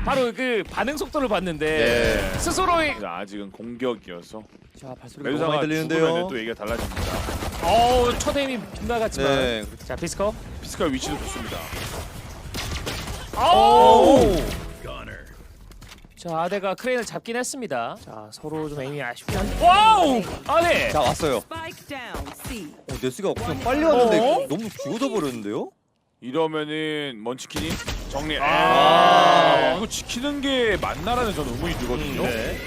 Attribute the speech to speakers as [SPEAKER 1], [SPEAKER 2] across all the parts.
[SPEAKER 1] 바로 그 반응 속도를 봤는데
[SPEAKER 2] 네.
[SPEAKER 1] 스스로의
[SPEAKER 3] 아직은 공격이어서
[SPEAKER 2] 자 발소리가 너무
[SPEAKER 3] 메두사가
[SPEAKER 2] 많이
[SPEAKER 3] 죽으면
[SPEAKER 2] 들리는데요.
[SPEAKER 3] 또 얘기가 달라집니다.
[SPEAKER 1] 첫 에임이 빗나갔지만
[SPEAKER 2] 네.
[SPEAKER 1] 자 피스커
[SPEAKER 3] 피스칼 위치도 좋습니다.
[SPEAKER 1] 자 아데가 크레인을 잡긴 했습니다. 자 서로 좀 에임이 아쉽긴 한데 와우 아데
[SPEAKER 2] 자 왔어요.
[SPEAKER 4] Spike down. C.
[SPEAKER 2] 네스가 그냥 빨리 왔는데 너무 죽어져 버렸는데요.
[SPEAKER 3] 이러면은 먼치킨이 정리.
[SPEAKER 1] 아.
[SPEAKER 3] 이거 지키는 게 맞나라는 저는 의문이 들거든요.
[SPEAKER 1] 네.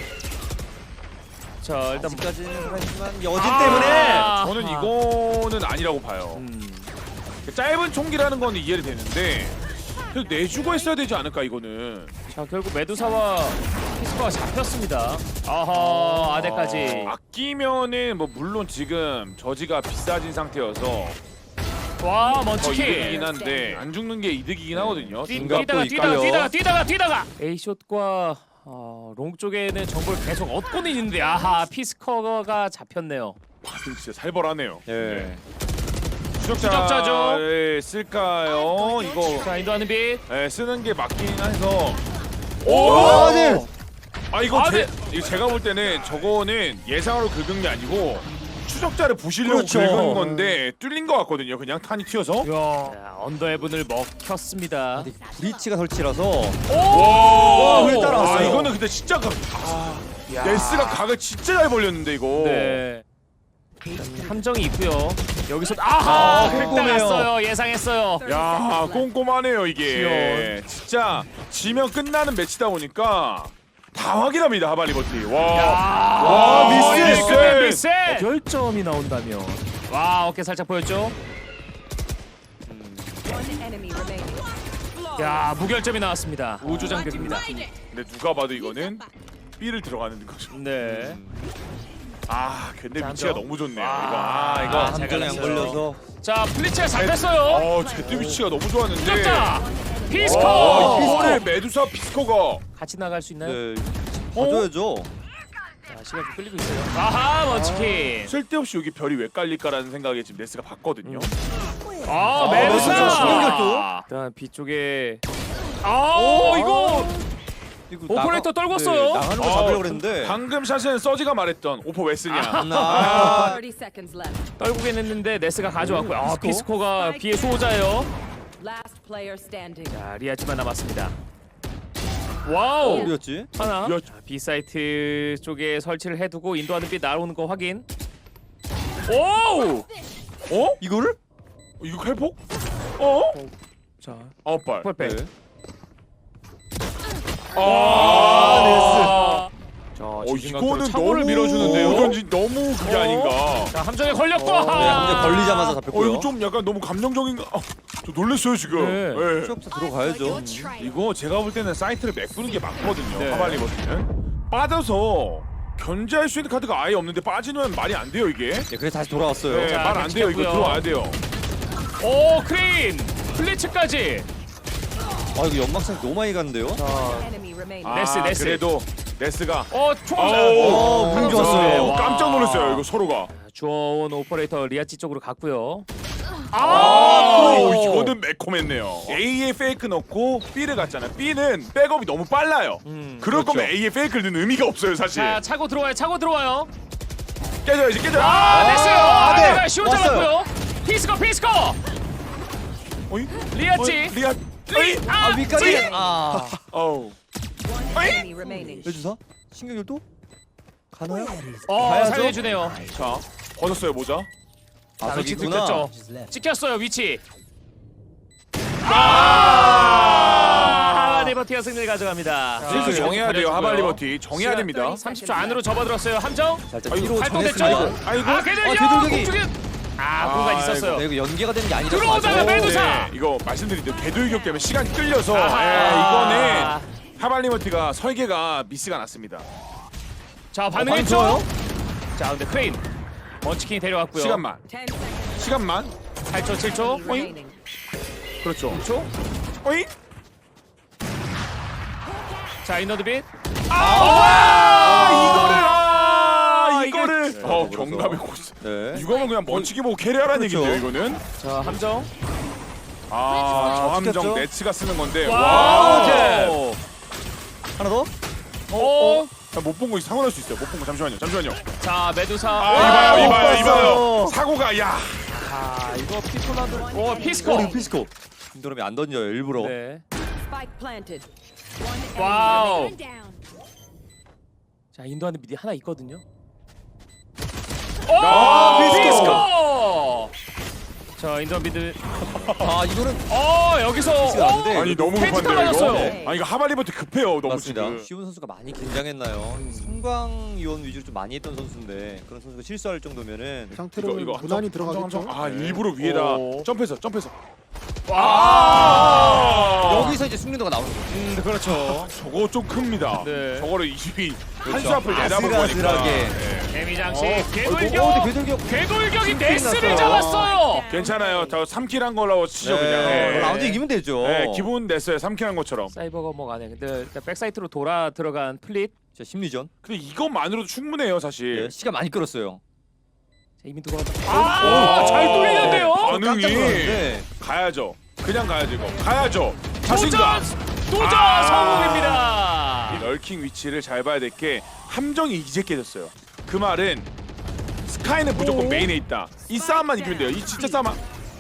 [SPEAKER 1] 자 일단
[SPEAKER 2] 아직까지는 살아있지만 여진
[SPEAKER 1] 아.
[SPEAKER 2] 때문에
[SPEAKER 3] 저는 이거는 아니라고 봐요. 짧은 총기라는 건 이해를 되는데 그래도 내주고 했어야 되지 않을까 이거는.
[SPEAKER 1] 자 결국 메두사와 피스커가 잡혔습니다. 아하 아데까지
[SPEAKER 3] 아끼면은 뭐 물론 지금 저지가 비싸진 상태여서
[SPEAKER 1] 와
[SPEAKER 3] 더
[SPEAKER 1] 먼치킨
[SPEAKER 3] 이득이긴 한데 안 죽는 게 이득이긴 하거든요.
[SPEAKER 2] 중갑도
[SPEAKER 1] 뛰다가
[SPEAKER 2] 있고요.
[SPEAKER 1] 뛰다가 A숏과 롱 쪽에는 정보를 계속 얻고는 있는데 아하 피스커가 잡혔네요.
[SPEAKER 3] 진짜 살벌하네요.
[SPEAKER 2] 예.
[SPEAKER 1] 추적자죠.
[SPEAKER 3] 쓸까요? 이거
[SPEAKER 1] 자 인도하는 빛
[SPEAKER 3] 쓰는 게 맞긴 해서.
[SPEAKER 2] 오! 네.
[SPEAKER 3] 이거 이거 제가 볼 때는 저거는 예상으로 긁은 게 아니고 추적자를 부시려고
[SPEAKER 2] 그렇죠.
[SPEAKER 3] 긁은 건데 뚫린 것 같거든요. 그냥 탄이 튀어서.
[SPEAKER 1] 자, 언더헤븐을 먹혔습니다.
[SPEAKER 2] 브리치가 설치라서
[SPEAKER 1] 오!
[SPEAKER 2] 왜 따라왔어요?
[SPEAKER 3] 이거는 근데 진짜
[SPEAKER 1] 야.
[SPEAKER 3] 네스가 각을 진짜 잘 벌렸는데 이거.
[SPEAKER 1] 네. 함정이 있고요. 여기서 아하
[SPEAKER 2] 꼼꼼해요.
[SPEAKER 1] 획당했어요. 예상했어요.
[SPEAKER 3] 야 꼼꼼하네요 이게.
[SPEAKER 1] 귀여운.
[SPEAKER 3] 진짜 지면 끝나는 매치다 보니까 다 확인합니다 하바리버티. 와.
[SPEAKER 1] 와
[SPEAKER 3] 미스!
[SPEAKER 1] 미스 결점이 나온다면 와 어깨 살짝 보였죠?
[SPEAKER 4] One enemy remaining.
[SPEAKER 1] 야 무결점이 나왔습니다. 우주 장벽입니다.
[SPEAKER 3] 근데 누가 봐도 이거는 B를 들어가는 거죠.
[SPEAKER 1] 네.
[SPEAKER 3] 근데
[SPEAKER 1] 자,
[SPEAKER 3] 위치가
[SPEAKER 1] 저-
[SPEAKER 3] 너무 좋네요.
[SPEAKER 1] 아,
[SPEAKER 3] 이거
[SPEAKER 1] 아,
[SPEAKER 2] 함정이 안
[SPEAKER 1] 잘
[SPEAKER 2] 걸려서
[SPEAKER 1] 자 플리츠가 잡혔어요.
[SPEAKER 3] 제트 위치가 너무 좋았는데.
[SPEAKER 1] 추적자 피스커
[SPEAKER 3] 이거를 메두사 피스코가
[SPEAKER 1] 같이 나갈 수 있나요?
[SPEAKER 2] 네. 봐줘야죠.
[SPEAKER 1] 자 시간 좀 끌리고 있어요. 아하 먼치킨.
[SPEAKER 3] 쓸데없이 여기 별이 왜 깔릴까라는 생각에 지금 네스가 봤거든요.
[SPEAKER 1] 메두사
[SPEAKER 2] 메두사 신경결도.
[SPEAKER 1] 일단 B 쪽에 이거
[SPEAKER 2] 이거
[SPEAKER 1] 오퍼레이터 떨궜어요.
[SPEAKER 2] 나가는 거 잡으려고 그랬는데
[SPEAKER 3] 방금 샷은 서지가 말했던 오퍼 왜 쓰냐.
[SPEAKER 4] 30 seconds left.
[SPEAKER 1] 떨구긴 했는데 네스가 가져왔고요. 피스코가 B의 수호자예요.
[SPEAKER 4] Last player standing.
[SPEAKER 1] 자 리아지만 남았습니다. 와우
[SPEAKER 2] 어디였지?
[SPEAKER 1] 하나.
[SPEAKER 3] 야,
[SPEAKER 1] 자, B 사이트 쪽에 설치를 해두고 인도하는 빛 날아오는 거 확인. 오!
[SPEAKER 2] 이거를?
[SPEAKER 3] 이거 칼폭?
[SPEAKER 1] 자
[SPEAKER 3] 9발.
[SPEAKER 1] 펄백.
[SPEAKER 2] 네.
[SPEAKER 1] 자
[SPEAKER 3] 이거는
[SPEAKER 1] 차고를
[SPEAKER 3] 너무
[SPEAKER 1] 밀어주는데요.
[SPEAKER 3] 이건 너무 그게 아닌가.
[SPEAKER 1] 자 함정에 걸렸고.
[SPEAKER 2] 네, 함정 걸리자마자 잡혔고요.
[SPEAKER 3] 이거 좀 약간 너무 감정적인가. 저 놀랐어요 지금.
[SPEAKER 1] 네.
[SPEAKER 3] 네.
[SPEAKER 2] 추적자 들어가야죠.
[SPEAKER 3] 이거 제가 볼 때는 사이트를 메꾸는 게 맞거든요.
[SPEAKER 1] 네.
[SPEAKER 3] 하발리버티는 빠져서 견제할 수 있는 카드가 아예 없는데 빠지면 말이 안 돼요 이게.
[SPEAKER 2] 네, 그래서 다시 돌아왔어요.
[SPEAKER 3] 네,
[SPEAKER 1] 자,
[SPEAKER 3] 말 안 돼요. 이거
[SPEAKER 1] 지켰고요.
[SPEAKER 3] 들어와야 돼요.
[SPEAKER 1] 오 크레인 플리츠까지.
[SPEAKER 2] 이거 연막상 너무 많이 갔는데요.
[SPEAKER 4] Enemy remaining.
[SPEAKER 1] 네스.
[SPEAKER 3] 그래도 네스가
[SPEAKER 1] 총알.
[SPEAKER 2] 운 좋았어요.
[SPEAKER 1] 와.
[SPEAKER 3] 깜짝 놀랐어요. 이거 서로가.
[SPEAKER 1] 주어온 오퍼레이터 리아치 쪽으로 갔고요.
[SPEAKER 3] 이거는 매콤했네요. A에 페이크 넣고 B를 갔잖아요. B는 백업이 너무 빨라요. 그럴
[SPEAKER 2] 그렇죠.
[SPEAKER 3] 거면 A에 페이크를 넣는 의미가 없어요, 사실.
[SPEAKER 1] 자 차고 들어와요.
[SPEAKER 3] 깨져야지, 깨져.
[SPEAKER 1] 됐어요.
[SPEAKER 2] 네.
[SPEAKER 1] 아데가 쇼
[SPEAKER 2] 왔어요.
[SPEAKER 1] 잡았고요. 피스커.
[SPEAKER 3] 어이?
[SPEAKER 1] 리아치.
[SPEAKER 3] 리아.
[SPEAKER 2] 위까지.
[SPEAKER 3] 어우.
[SPEAKER 4] One enemy remaining.
[SPEAKER 2] 해주사? 신경결도? 가나요? 가야죠.
[SPEAKER 1] 살려주네요.
[SPEAKER 3] 자, 벗었어요 모자.
[SPEAKER 1] 자, 위치
[SPEAKER 2] 저기구나.
[SPEAKER 1] 들켰죠. 찍혔어요 위치. 하발리버티가 승리를 가져갑니다.
[SPEAKER 3] 슬슬 정해야 돼요, 하발리버티. 정해야 됩니다.
[SPEAKER 1] 30초 안으로 접어들었어요. 함정.
[SPEAKER 2] 살짝
[SPEAKER 3] 아이고,
[SPEAKER 2] 뒤로
[SPEAKER 1] 발동됐죠?
[SPEAKER 2] 정했습니다.
[SPEAKER 3] 아이고.
[SPEAKER 1] 궤들격.
[SPEAKER 2] 궤들격이.
[SPEAKER 1] 공간 있었어요.
[SPEAKER 2] 네, 이거 연계가 되는 게 아니라
[SPEAKER 1] 들어오자마자 메두사.
[SPEAKER 3] 네, 이거 말씀드린 대로 궤도유격 때문에 시간이 끌려서
[SPEAKER 1] 아하.
[SPEAKER 3] 이거는 하발리버티가 설계가 미스가 났습니다.
[SPEAKER 1] 자
[SPEAKER 2] 반응
[SPEAKER 1] 반응했죠?
[SPEAKER 2] 좋아요?
[SPEAKER 1] 자 근데 크레인 먼치킨이 데려왔고요.
[SPEAKER 3] 시간만.
[SPEAKER 4] 10 seconds
[SPEAKER 3] 시간만.
[SPEAKER 1] 8초 7초.
[SPEAKER 4] remaining.
[SPEAKER 3] 그렇죠.
[SPEAKER 1] 6초.
[SPEAKER 3] 어이?
[SPEAKER 1] 자 인너드빗.
[SPEAKER 3] 이거를.
[SPEAKER 2] 네,
[SPEAKER 3] 경감의 고스.
[SPEAKER 2] 네.
[SPEAKER 3] 이거는 그냥 먼치기 보고 캐리하라는
[SPEAKER 2] 그렇죠.
[SPEAKER 3] 얘기인데요, 이거는.
[SPEAKER 1] 자 함정.
[SPEAKER 3] 저함정
[SPEAKER 2] 찍혔죠?
[SPEAKER 3] 네츠가 쓰는 건데.
[SPEAKER 1] 와우.
[SPEAKER 3] 와우.
[SPEAKER 2] 하나 더.
[SPEAKER 3] 못 본 거 상관할 수 있어요. 못 본 거 잠시만요.
[SPEAKER 1] 자 메두사.
[SPEAKER 3] 아, 이봐요.
[SPEAKER 2] 봤어요.
[SPEAKER 3] 사고가 야.
[SPEAKER 1] 아 이거 피콜라드. 오
[SPEAKER 2] 어,
[SPEAKER 1] 피스코.
[SPEAKER 2] 이거 피스코. 김도람이 안 던져요 일부러.
[SPEAKER 1] 네.
[SPEAKER 4] Spike planted. One enemy
[SPEAKER 1] 와우.
[SPEAKER 4] remaining.
[SPEAKER 1] 자 인도하는 미디 하나 있거든요.
[SPEAKER 3] 아,
[SPEAKER 1] 피스코. 자 인도 미드.
[SPEAKER 2] 아 이거는
[SPEAKER 1] 여기서.
[SPEAKER 2] 피스가 안 돼.
[SPEAKER 3] 아니 너무
[SPEAKER 1] 페이지
[SPEAKER 3] 급한데요
[SPEAKER 1] 깔아놨어요.
[SPEAKER 3] 이거. 아 이거 하바리부터 급해요. 너무
[SPEAKER 2] 맞습니다.
[SPEAKER 3] 지금.
[SPEAKER 2] 시훈 선수가 많이 긴장했나요? 성광 이원 위주로 좀 많이 했던 선수인데 그런 선수가 실수할 정도면은
[SPEAKER 5] 상태로
[SPEAKER 3] 이거
[SPEAKER 5] 무난히 들어가겠죠.
[SPEAKER 3] 아 일부러 위에다
[SPEAKER 1] 오.
[SPEAKER 3] 점프해서.
[SPEAKER 2] 여기서 이제 숙련도가 나오는 거죠.
[SPEAKER 1] 그렇죠.
[SPEAKER 3] 저거 좀 큽니다.
[SPEAKER 1] 네.
[SPEAKER 3] 저거를 이수비 한 수 앞을 내다보고
[SPEAKER 2] 아슬아슬하게.
[SPEAKER 3] 보니까.
[SPEAKER 1] 데미장식
[SPEAKER 2] 근데
[SPEAKER 1] 궤돌격.
[SPEAKER 2] 궤돌격.
[SPEAKER 1] 궤돌격이
[SPEAKER 2] 났어요.
[SPEAKER 1] 네스를 잡았어요.
[SPEAKER 3] 괜찮아요. 저 3킬 한 걸로 치죠
[SPEAKER 2] 네.
[SPEAKER 3] 그냥. 네.
[SPEAKER 2] 라운드 이기면 되죠.
[SPEAKER 3] 네, 기분 냈어요. 3킬 한 것처럼.
[SPEAKER 1] 사이버가 뭐가 안 해. 근데 일단 백사이트로 돌아 들어간 플릿.
[SPEAKER 2] 자, 심리전.
[SPEAKER 3] 근데 이것만으로도 충분해요, 사실.
[SPEAKER 2] 네, 시간 많이 끌었어요.
[SPEAKER 1] 자, 이미 들어간다. 잘 뚫리는데요.
[SPEAKER 3] 반응이
[SPEAKER 2] 깜짝 놀랐는데.
[SPEAKER 3] 가야죠. 그냥 가야죠 이거. 가야죠. 자신감.
[SPEAKER 1] 도전 성공입니다.
[SPEAKER 3] 이 널킹 위치를 잘 봐야 될 게 함정이 이제 깨졌어요. 그 말은 스카이는 무조건 메인에 있다. 이 싸움만 이기면 돼요. 이 진짜 싸움만.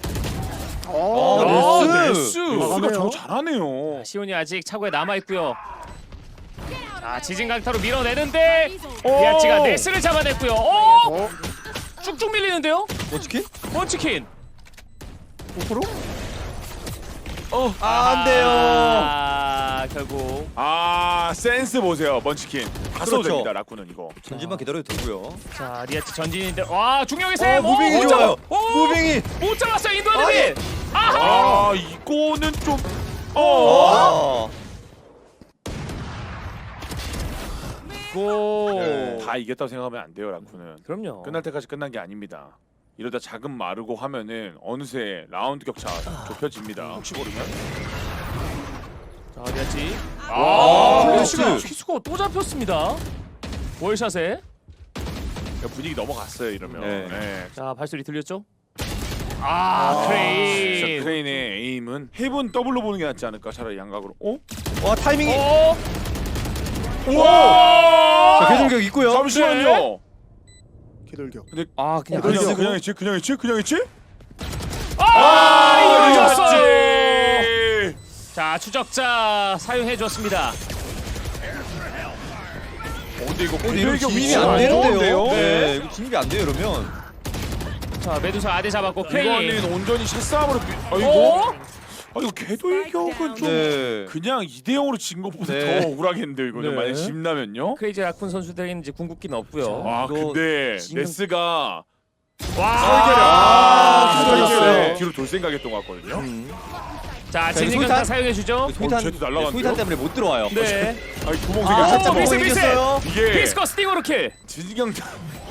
[SPEAKER 2] 네스.
[SPEAKER 3] 네스가 저거 잘하네요.
[SPEAKER 1] 시온이 아직 차고에 남아 있고요. 자 지진 강타로 밀어내는데 비아치가 네스를 잡아냈고요. 쭉쭉 밀리는데요.
[SPEAKER 2] 어떻게?
[SPEAKER 1] 먼치킨.
[SPEAKER 2] 5%? 안 돼요.
[SPEAKER 1] 결국
[SPEAKER 3] 센스 보세요, 먼치킨. 다 써도
[SPEAKER 2] 그렇죠.
[SPEAKER 3] 됩니다, 라쿠는 이거.
[SPEAKER 2] 전진만 기다려도 되고요.
[SPEAKER 1] 자 리아치 전진인데 와 중력의 셈.
[SPEAKER 2] 무빙이 좋아요. 무빙이.
[SPEAKER 1] 못 잡았어요 인도하는
[SPEAKER 2] 아니.
[SPEAKER 1] 비. 아하.
[SPEAKER 3] 이거는 좀.
[SPEAKER 1] 고.
[SPEAKER 3] 다 이겼다고 생각하면 안 돼요, 라쿠는.
[SPEAKER 1] 그럼요.
[SPEAKER 3] 끝날 때까지 끝난 게 아닙니다. 이러다 자금 마르고 하면은 어느새 라운드 격차 좁혀집니다. 혹시 모르면.
[SPEAKER 1] 자 리아치.
[SPEAKER 2] 플래시가.
[SPEAKER 1] 피스코 또 잡혔습니다. 월샷에.
[SPEAKER 3] 분위기 넘어갔어요, 이러면.
[SPEAKER 2] 네.
[SPEAKER 3] 네.
[SPEAKER 1] 자 발소리 들렸죠?
[SPEAKER 3] 진짜
[SPEAKER 1] 크레인.
[SPEAKER 3] 크레인의 에임은 헤븐 더블로 보는 게 낫지 않을까? 차라리 양각으로.
[SPEAKER 2] 와, 타이밍이.
[SPEAKER 3] 우와!
[SPEAKER 2] 자, 궤돌격 있고요.
[SPEAKER 3] 잠시만요.
[SPEAKER 5] 기돌격.
[SPEAKER 2] 그냥
[SPEAKER 3] 했지? 그냥 했지?
[SPEAKER 1] 이거 졌어요.
[SPEAKER 3] 이겼지!
[SPEAKER 1] 자 추적자 사용해 줬습니다.
[SPEAKER 3] 근데 이거
[SPEAKER 2] 근데 이거
[SPEAKER 3] 궤돌격
[SPEAKER 2] 진입이
[SPEAKER 3] 위치가
[SPEAKER 2] 안 되는데요.
[SPEAKER 3] 좋은데요?
[SPEAKER 2] 네, 이거 진입이 안 돼요, 이러면.
[SPEAKER 1] 자 메두사 아대 잡았고 크레인.
[SPEAKER 3] 이거는 온전히 샷싸움으로
[SPEAKER 1] 어?
[SPEAKER 3] 이거 궤돌격은 좀
[SPEAKER 2] 네.
[SPEAKER 3] 그냥 2대0으로 진 것보다
[SPEAKER 2] 네.
[SPEAKER 3] 더 억울하겠는데요, 이거는.
[SPEAKER 1] 네.
[SPEAKER 3] 만약 집나면요?
[SPEAKER 1] 크레이지 라쿤 선수들에게는 이제 궁극기는 없고요.
[SPEAKER 2] 이거
[SPEAKER 3] 근데
[SPEAKER 2] 지금-
[SPEAKER 3] 네스가
[SPEAKER 1] 와.
[SPEAKER 2] 기다렸어요.
[SPEAKER 3] 뒤로 돌 생각했던 것 같거든요.
[SPEAKER 1] 자
[SPEAKER 2] 자,
[SPEAKER 1] 진진강타
[SPEAKER 2] 소위탄.
[SPEAKER 1] 사용해 주죠.
[SPEAKER 3] 쟤도 날라갔는데요?
[SPEAKER 2] 소위탄 때문에 못 들어와요.
[SPEAKER 1] 네.
[SPEAKER 3] 아니 구멍
[SPEAKER 2] 아,
[SPEAKER 3] 생겼어.
[SPEAKER 1] 비스,
[SPEAKER 2] 뭐
[SPEAKER 1] 비스.
[SPEAKER 2] 이겼어요.
[SPEAKER 3] 이게
[SPEAKER 1] 피스커 스팅으로 킬.
[SPEAKER 3] 진경타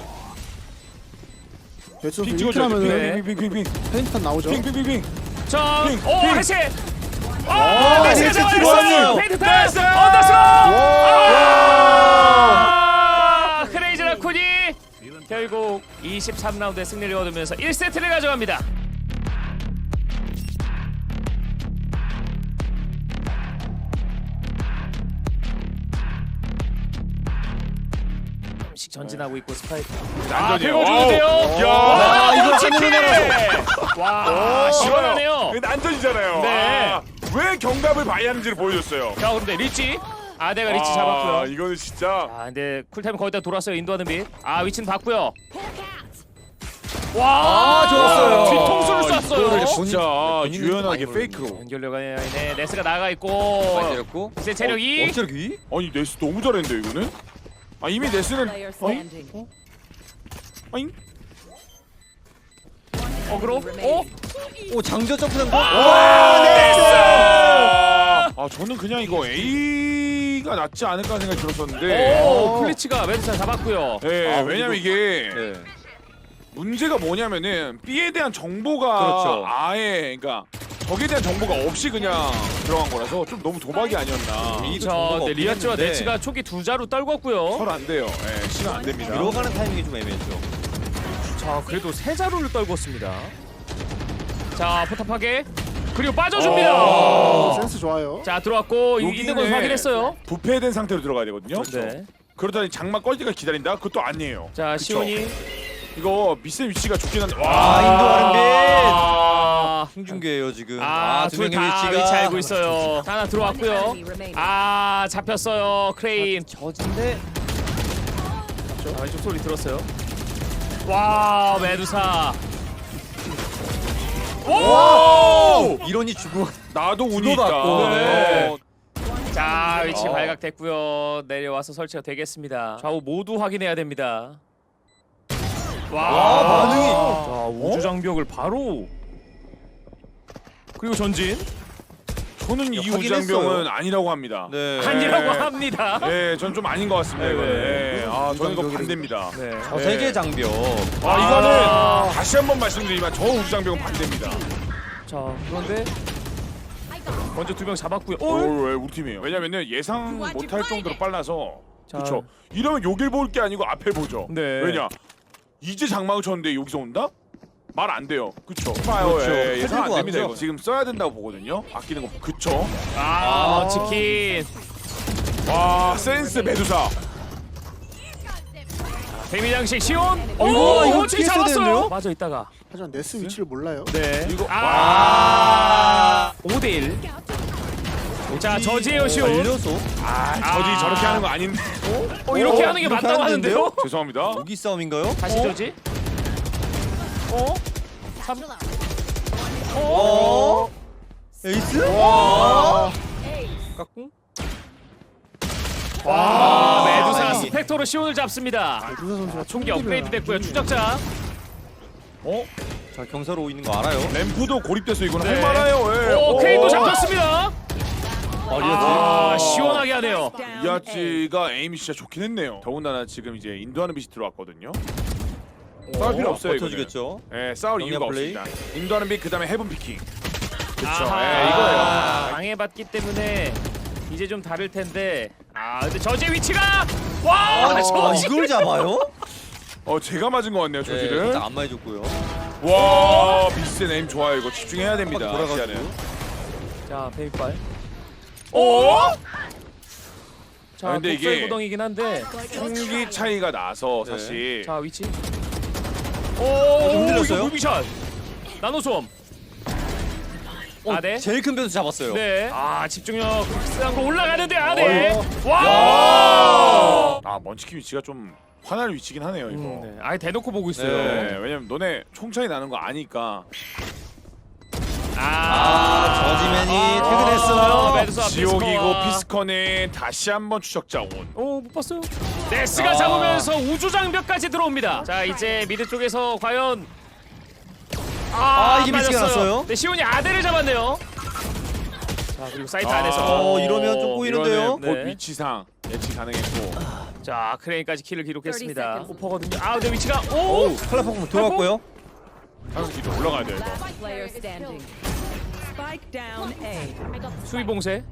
[SPEAKER 5] 배치
[SPEAKER 3] 핑
[SPEAKER 5] 선수 이렇게
[SPEAKER 3] 찍어줘야지.
[SPEAKER 5] 하면은
[SPEAKER 3] 핑핑핑핑핑
[SPEAKER 5] 페인트탄 나오죠.
[SPEAKER 3] 핑핑핑핑.
[SPEAKER 1] 자,
[SPEAKER 3] 핑,
[SPEAKER 1] 오
[SPEAKER 3] 핑.
[SPEAKER 1] 해시. 네스가
[SPEAKER 2] 해시
[SPEAKER 1] 잡아냈어요.
[SPEAKER 2] 들어왔네요.
[SPEAKER 1] 페인트 타스. 언더스. 크레이지 라쿤이 결국 23라운드에 승리를 거두면서 1세트를 가져갑니다. 씩 전진하고 있고 스파이크.
[SPEAKER 3] 난전이에요.
[SPEAKER 1] 그거 좋은데요?
[SPEAKER 3] 야,
[SPEAKER 1] 와,
[SPEAKER 2] 이거
[SPEAKER 1] 치킨!
[SPEAKER 2] 찾는
[SPEAKER 1] 와, 시원하네요.
[SPEAKER 3] 이거 난전이잖아요.
[SPEAKER 1] 네.
[SPEAKER 3] 왜 경갑을 봐야 하는지를 보여줬어요.
[SPEAKER 1] 자, 그런데 리치. 아대가 리치 잡았고요.
[SPEAKER 3] 이거는 진짜.
[SPEAKER 1] 아, 근데 쿨타임 거의 다 돌았어요. 인도하는 빛. 위치는 봤고요. 와,
[SPEAKER 2] 좋았어요.
[SPEAKER 1] 뒤통수를 쐈어요.
[SPEAKER 3] 진짜
[SPEAKER 2] 본인
[SPEAKER 3] 유연하게
[SPEAKER 2] 많이
[SPEAKER 3] 페이크로.
[SPEAKER 1] 연결료가 네, 네스가 나가
[SPEAKER 2] 많이
[SPEAKER 1] 있고.
[SPEAKER 2] 때렸고.
[SPEAKER 1] 이제 체력이
[SPEAKER 2] 어찌력 위?
[SPEAKER 3] 아니 네스 너무 잘했는데 이거는. 이미 네스는
[SPEAKER 4] Player standing.
[SPEAKER 3] 아잉?
[SPEAKER 1] 어그로.
[SPEAKER 4] remaining.
[SPEAKER 2] 오, 장저 점프 한
[SPEAKER 3] 저는 그냥 이거 A가 낫지 않을까 생각이 들었었는데.
[SPEAKER 1] 오, 플리치가 왼손 잡았고요.
[SPEAKER 3] 네, 왜냐면 이게
[SPEAKER 2] 네.
[SPEAKER 3] 문제가 뭐냐면은 B에 대한 정보가
[SPEAKER 2] 그렇죠.
[SPEAKER 3] 아예 그러니까 적에 대한 정보가 없이 그냥 들어간 거라서 좀 너무 도박이 아니었나.
[SPEAKER 1] 저 네, 리아츠와
[SPEAKER 2] 했는데.
[SPEAKER 1] 네치가 초기 두 자루 떨궜고요.
[SPEAKER 3] 서로 안 돼요. 예, 시간 안 됩니다.
[SPEAKER 2] 들어가는 타이밍이 좀 애매했죠.
[SPEAKER 1] 자, 그래도 세 자루를 떨궜습니다. 자, 포탑하게. 그리고 빠져줍니다.
[SPEAKER 5] 센스 좋아요.
[SPEAKER 1] 자 들어왔고 있는 건 확인했어요.
[SPEAKER 3] 부패된 상태로 들어가야 되거든요.
[SPEAKER 1] 네.
[SPEAKER 3] 그러다니 장막 꺼질 때까지 기다린다? 그것도 아니에요.
[SPEAKER 1] 자
[SPEAKER 3] 그쵸?
[SPEAKER 1] 시온이
[SPEAKER 3] 이거 미스의 위치가 좋긴 한데
[SPEAKER 2] 인도 아른빛.
[SPEAKER 1] 아,
[SPEAKER 2] 홍준규예요 지금.
[SPEAKER 1] 두
[SPEAKER 2] 두
[SPEAKER 1] 명
[SPEAKER 2] 명의
[SPEAKER 1] 다
[SPEAKER 2] 위치가
[SPEAKER 1] 위치 알고 있어요. 하나 들어왔고요.
[SPEAKER 4] Enemy remaining.
[SPEAKER 1] 아 잡혔어요 크레인.
[SPEAKER 2] 저진데
[SPEAKER 1] 자, 왼쪽 소리 들었어요. 와 메두사. 오!
[SPEAKER 2] 이론이 주고
[SPEAKER 3] 나도 운이 있다.
[SPEAKER 2] 주고받고.
[SPEAKER 1] 네. 자 위치 발각됐고요. 내려와서 설치가 되겠습니다. 좌우 모두 확인해야 됩니다. 와
[SPEAKER 2] 반응이.
[SPEAKER 1] 자 우주 장벽을 바로 그리고 전진
[SPEAKER 3] 저는 이
[SPEAKER 2] 확인했어요.
[SPEAKER 3] 우장병은 아니라고 합니다.
[SPEAKER 2] 네.
[SPEAKER 1] 아니라고 합니다.
[SPEAKER 3] 네, 전 좀 아닌 것 같습니다.
[SPEAKER 1] 네,
[SPEAKER 3] 이거는.
[SPEAKER 1] 네.
[SPEAKER 3] 네. 저는 이거 반대입니다.
[SPEAKER 1] 네.
[SPEAKER 2] 세계 장벽.
[SPEAKER 3] 이거는 다시 한번 말씀드리지만 저 우주장병은 반대입니다.
[SPEAKER 1] 자 그런데 먼저 두 명 잡았고요.
[SPEAKER 3] 왜 우리 팀이에요? 왜냐면은 예상 못할 정도로 빨라서.
[SPEAKER 1] 자.
[SPEAKER 3] 그렇죠. 이러면 여길 볼 게 아니고 앞에 보죠.
[SPEAKER 1] 네.
[SPEAKER 3] 왜냐? 이제 장막을 쳤는데 여기서 온다? 말 안 돼요. 그쵸? 봐요.
[SPEAKER 2] 그렇죠.
[SPEAKER 3] 예, 예상 안
[SPEAKER 2] 해들고
[SPEAKER 3] 됩니다.
[SPEAKER 2] 왔죠.
[SPEAKER 3] 이거. 지금 써야 된다고 보거든요. 아끼는 거. 그쵸?
[SPEAKER 1] 치킨.
[SPEAKER 3] 와, 센스 메두사.
[SPEAKER 1] 데미장식 시온.
[SPEAKER 2] 이거
[SPEAKER 1] 어떻게
[SPEAKER 2] 피했어야
[SPEAKER 1] 잡았어요?
[SPEAKER 2] 되는데요?
[SPEAKER 1] 맞아 있다가.
[SPEAKER 5] 하지만 네스 위치를 몰라요.
[SPEAKER 1] 네.
[SPEAKER 3] 이거
[SPEAKER 1] 5대1. 자 저지예요 시온.
[SPEAKER 2] 걸려서
[SPEAKER 3] 저지 저렇게 하는 거 아닌데.
[SPEAKER 1] 이렇게 하는 게
[SPEAKER 2] 이렇게
[SPEAKER 1] 맞다고
[SPEAKER 2] 하는데요?
[SPEAKER 1] 하는데요?
[SPEAKER 3] 죄송합니다.
[SPEAKER 2] 무기 싸움인가요?
[SPEAKER 1] 다시 저지.
[SPEAKER 2] 에이스? 깎고?
[SPEAKER 1] 와 메두사
[SPEAKER 2] 아니.
[SPEAKER 1] 스펙터로 시온을 잡습니다.
[SPEAKER 5] 메두사 선수가
[SPEAKER 1] 총기 업그레이드 됐고요. 추적자.
[SPEAKER 2] 자 경사로 있는 거 알아요?
[SPEAKER 3] 램프도 고립돼서 이거는
[SPEAKER 1] 네.
[SPEAKER 3] 할만해요. 예.
[SPEAKER 1] 오 크레인도 잡혔습니다.
[SPEAKER 2] 리아지.
[SPEAKER 1] 시원하게 하네요.
[SPEAKER 3] 이아찌가 에임이 진짜 좋긴 했네요. 더군다나 지금 이제 인도하는 빛이 들어왔거든요. 싸울 필요 없어요. 이거는.
[SPEAKER 2] 버텨주겠죠.
[SPEAKER 3] 예, 싸울 이유가
[SPEAKER 2] 플레이.
[SPEAKER 3] 없습니다. 인도하는 빛 그다음에 헤븐 피킹. 그렇죠.
[SPEAKER 1] 아하.
[SPEAKER 3] 예, 이거예요.
[SPEAKER 1] 방해받기 때문에 이제 좀 다를 텐데. 근데 저지의 위치가 저지.
[SPEAKER 2] 이걸 잡아요?
[SPEAKER 3] 제가 맞은 것 같네요.
[SPEAKER 2] 네,
[SPEAKER 3] 저지를.
[SPEAKER 2] 일단 안 맞아줬고요.
[SPEAKER 3] 와, 비슷한 에임 좋아요. 이거 집중해야 됩니다.
[SPEAKER 2] 돌아가지고.
[SPEAKER 3] 시야는.
[SPEAKER 1] 자 베이빨. 오. 자
[SPEAKER 3] 근데
[SPEAKER 1] 독서의
[SPEAKER 3] 이게
[SPEAKER 1] 구덩이긴 한데.
[SPEAKER 3] 총기 차이가 나서
[SPEAKER 2] 네.
[SPEAKER 3] 사실
[SPEAKER 1] 자 위치.
[SPEAKER 2] 좀
[SPEAKER 1] 이거
[SPEAKER 2] 흔들렸어요?
[SPEAKER 1] 무비샷. 나노솜. 네.
[SPEAKER 2] 제일 큰 변수 잡았어요.
[SPEAKER 1] 네. 집중력 극상으로 올라가는데 네. 와.
[SPEAKER 3] 먼치킨 위치가 좀 화날 위치긴 하네요. 이거.
[SPEAKER 1] 네. 아예 대놓고 보고 있어요.
[SPEAKER 3] 네, 왜냐면 너네 총 차이 나는 거 아니까.
[SPEAKER 2] 저지맨이 퇴근했어요.
[SPEAKER 1] 메두사
[SPEAKER 3] 지옥이고 피스컨에 다시 한번 추적자 온.
[SPEAKER 1] 못 봤어요. 네스가 잡으면서 우주 장벽까지 들어옵니다. 자 이제 미드 쪽에서 과연
[SPEAKER 2] 이게 미스가
[SPEAKER 1] 맞았어요.
[SPEAKER 2] 났어요?
[SPEAKER 1] 네 시온이 아델을 잡았네요. 자 그리고 사이트 안에서
[SPEAKER 2] 이러면 좀 꼬이는데요?
[SPEAKER 3] 이거는 곧
[SPEAKER 1] 네.
[SPEAKER 3] 위치상 예측 가능했고.
[SPEAKER 1] 자 크레인까지 킬을 기록했습니다.
[SPEAKER 4] 30 seconds.
[SPEAKER 1] 오퍼거든요. 근데 위치가
[SPEAKER 2] 클라파공 들어갔고요.
[SPEAKER 3] 한수 뒤로 올라가야 돼요. 이거.
[SPEAKER 4] Player standing. Spike down A.
[SPEAKER 1] 수비 봉쇄.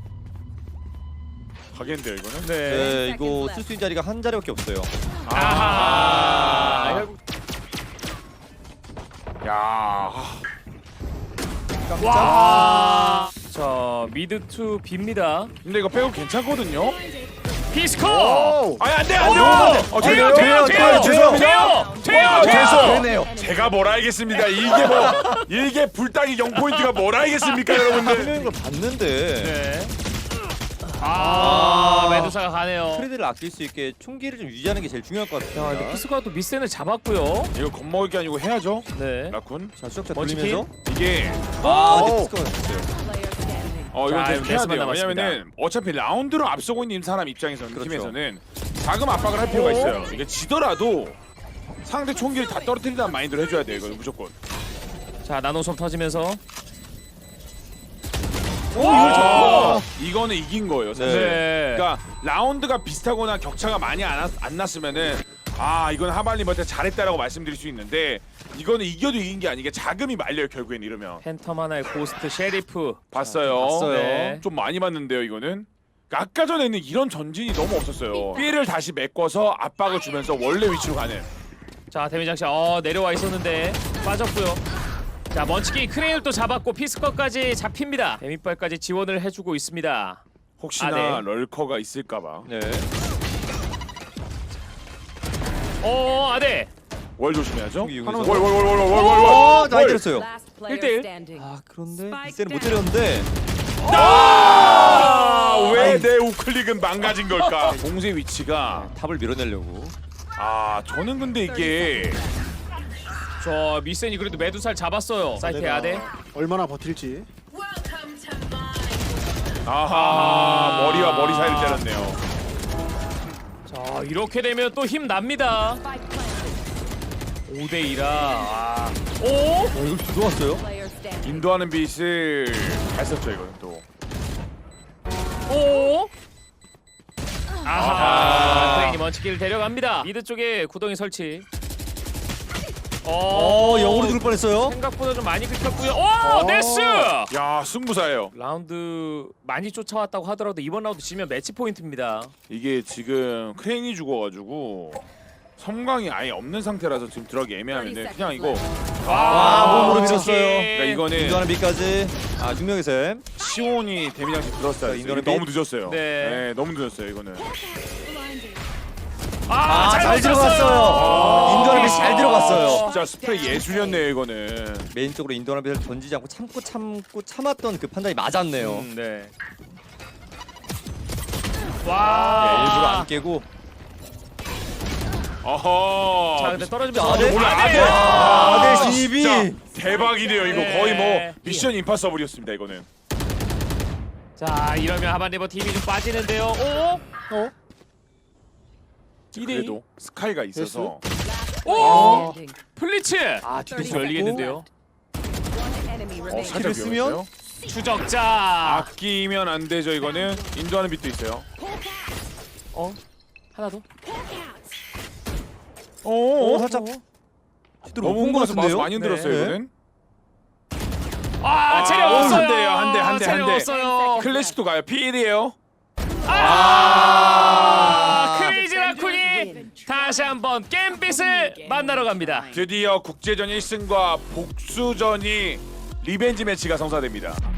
[SPEAKER 3] 가겠는데요 이거는.
[SPEAKER 1] 네.
[SPEAKER 2] 네, 이거 쓸 수 있는 자리가 한 자리밖에 없어요.
[SPEAKER 1] 아하.
[SPEAKER 3] 야.
[SPEAKER 1] 와. 자 미드 투 B입니다.
[SPEAKER 3] 근데 이거 빼고 괜찮거든요.
[SPEAKER 1] 피스코.
[SPEAKER 3] 안돼
[SPEAKER 1] 돼요.
[SPEAKER 3] 죄송합니다.
[SPEAKER 1] 돼요.
[SPEAKER 2] 되네요.
[SPEAKER 3] 제가 뭘 알겠습니다. 이게 불닭이 0포인트가 뭘 알겠습니까, 여러분들?
[SPEAKER 2] 분명히 걸 봤는데
[SPEAKER 1] 네. 메두사가 가네요.
[SPEAKER 2] 트레드를 아낄 수 있게 총기를 좀 유지하는 게 제일 중요할 것 같아요.
[SPEAKER 1] 근데 피스코가 또 미센을 잡았고요.
[SPEAKER 3] 이거 겁먹을 게 아니고 해야죠,
[SPEAKER 1] 네.
[SPEAKER 3] 라쿤.
[SPEAKER 2] 자, 추적자
[SPEAKER 1] 먼치킨.
[SPEAKER 2] 돌리면서
[SPEAKER 3] 이게
[SPEAKER 2] 근데 피스커가 됐어요.
[SPEAKER 4] Player standing.
[SPEAKER 3] 이건
[SPEAKER 1] 자,
[SPEAKER 3] 계속 해야
[SPEAKER 1] 레스만
[SPEAKER 3] 돼요.
[SPEAKER 1] 남았습니다.
[SPEAKER 3] 왜냐면은 어차피 라운드로 앞서고 있는 사람 입장에서는
[SPEAKER 2] 그렇죠.
[SPEAKER 3] 팀에서는 자금 압박을 할 필요가 있어요. 이게 지더라도 상대 총기를 다 떨어뜨린다는 마인드로 해줘야 돼요. 이거 무조건.
[SPEAKER 1] 자 나노솜 터지면서.
[SPEAKER 3] 이거는 이긴 거예요. 사실.
[SPEAKER 1] 네.
[SPEAKER 3] 그러니까 라운드가 비슷하거나 격차가 많이 안 났으면은 이건 하발리한테 잘했다라고 말씀드릴 수 있는데 이거는 이겨도 이긴 게 아니게 자금이 말려요. 결국엔 이러면.
[SPEAKER 1] 팬텀 하나의 고스트 셰리프.
[SPEAKER 3] 봤어요.
[SPEAKER 2] 봤어요.
[SPEAKER 1] 네.
[SPEAKER 3] 좀 많이 봤는데요. 이거는. 그러니까 아까 전에는 이런 전진이 너무 없었어요. 삐를 다시 메꿔서 압박을 주면서 원래 위치로 가는.
[SPEAKER 1] 자 데미장식 내려와 있었는데 빠졌고요. 자 먼치기 크레인을 또 잡았고 피스커까지 잡힙니다. 데미빨까지 지원을 해주고 있습니다.
[SPEAKER 3] 혹시나
[SPEAKER 1] 네.
[SPEAKER 3] 럴커가 있을까봐.
[SPEAKER 2] 네.
[SPEAKER 1] 아네.
[SPEAKER 3] 월 조심해야죠.
[SPEAKER 2] 여기
[SPEAKER 3] 월.
[SPEAKER 2] 어, 많이 때렸어요.
[SPEAKER 4] Last player
[SPEAKER 1] 1대1.
[SPEAKER 4] standing.
[SPEAKER 2] 아 그런데
[SPEAKER 4] Spike
[SPEAKER 2] 이때는 못 때렸는데.
[SPEAKER 3] 왜 내 우클릭은 망가진 걸까? 공세 위치가
[SPEAKER 2] 탑을 밀어내려고.
[SPEAKER 3] 저는 근데 이게
[SPEAKER 1] 저 미센이 그래도 매두살 잡았어요. 사이트 아네.
[SPEAKER 5] 얼마나 버틸지.
[SPEAKER 3] 머리와 머리 사이를 때렸네요.
[SPEAKER 1] 자 이렇게 되면 또 힘 납니다. 5대2라. 오?
[SPEAKER 2] 이거 들어왔어요?
[SPEAKER 4] Player standing.
[SPEAKER 3] 인도하는 빛을 잘 썼죠 이거는 또.
[SPEAKER 1] 오? 아하. 크레인이 먼치기를 데려갑니다. 미드 쪽에 구덩이 설치.
[SPEAKER 2] 영으로 죽을 뻔했어요.
[SPEAKER 1] 생각보다 좀 많이 긁혔고요. 오, 네스!
[SPEAKER 3] 야 승부사예요.
[SPEAKER 1] 라운드 많이 쫓아왔다고 하더라도 이번 라운드 지면 매치 포인트입니다.
[SPEAKER 3] 이게 지금 크레인이 죽어가지고 섬광이 아예 없는 상태라서 지금 들어가기 애매하는데 그냥 이거
[SPEAKER 2] 몸으로
[SPEAKER 1] 먼치기.
[SPEAKER 2] 밀었어요.
[SPEAKER 3] 그러니까 이거는
[SPEAKER 2] 인도하는 빛까지. 중명의 셈.
[SPEAKER 3] 시온이 데미장치 들었어야 했어요.
[SPEAKER 2] 인도하는
[SPEAKER 3] 이거 너무 늦었어요.
[SPEAKER 1] 네.
[SPEAKER 3] 너무 늦었어요 이거는.
[SPEAKER 2] 잘 들어갔어요. 인도하는 빛 잘 들어갔어요.
[SPEAKER 3] 진짜 스프레이 예술이었네요 이거는.
[SPEAKER 2] 메인 쪽으로 인도하는 빛을 던지지 않고 참고 참았던 그 판단이 맞았네요.
[SPEAKER 1] 네.
[SPEAKER 2] 일부러
[SPEAKER 1] 와.
[SPEAKER 2] 안 깨고.
[SPEAKER 3] 어허.
[SPEAKER 1] 자, 근데 떨어지면
[SPEAKER 2] 아네?
[SPEAKER 1] 아네.
[SPEAKER 2] 아네 진입이.
[SPEAKER 3] 진짜 대박이네요 이거.
[SPEAKER 1] 네.
[SPEAKER 3] 거의 뭐 미션 임파서블이었습니다 이거는.
[SPEAKER 1] 자, 이러면 하반네버 팀이 좀 빠지는데요. 오? 2대2.
[SPEAKER 3] 그래도 스카이가 있어서
[SPEAKER 1] 오!
[SPEAKER 4] Standing.
[SPEAKER 1] 플리츠.
[SPEAKER 2] 뒤통수
[SPEAKER 1] 열리겠는데요.
[SPEAKER 4] One enemy remaining.
[SPEAKER 3] 살짝
[SPEAKER 2] 쓰면?
[SPEAKER 3] 위험했어요.
[SPEAKER 1] 추적자.
[SPEAKER 3] 아끼면 안 되죠 이거는. 인도하는 빛도 있어요.
[SPEAKER 1] 하나 더.
[SPEAKER 2] 살짝.
[SPEAKER 3] 너무 홍보해서 마우스
[SPEAKER 2] 같은데요?
[SPEAKER 3] 많이 흔들었어요
[SPEAKER 2] 네.
[SPEAKER 3] 이거는.
[SPEAKER 1] 체력
[SPEAKER 3] 한
[SPEAKER 1] 없어요.
[SPEAKER 3] 대요, 한 대, 한 대, 한
[SPEAKER 1] 체력
[SPEAKER 3] 대.
[SPEAKER 1] 없어요.
[SPEAKER 3] 클래식도 가요. 필이에요.
[SPEAKER 1] 크레이지 라쿤이 다시 한번 겜빛을 만나러 갑니다.
[SPEAKER 3] 드디어 국제전 1승과 복수전이 리벤지 매치가 성사됩니다.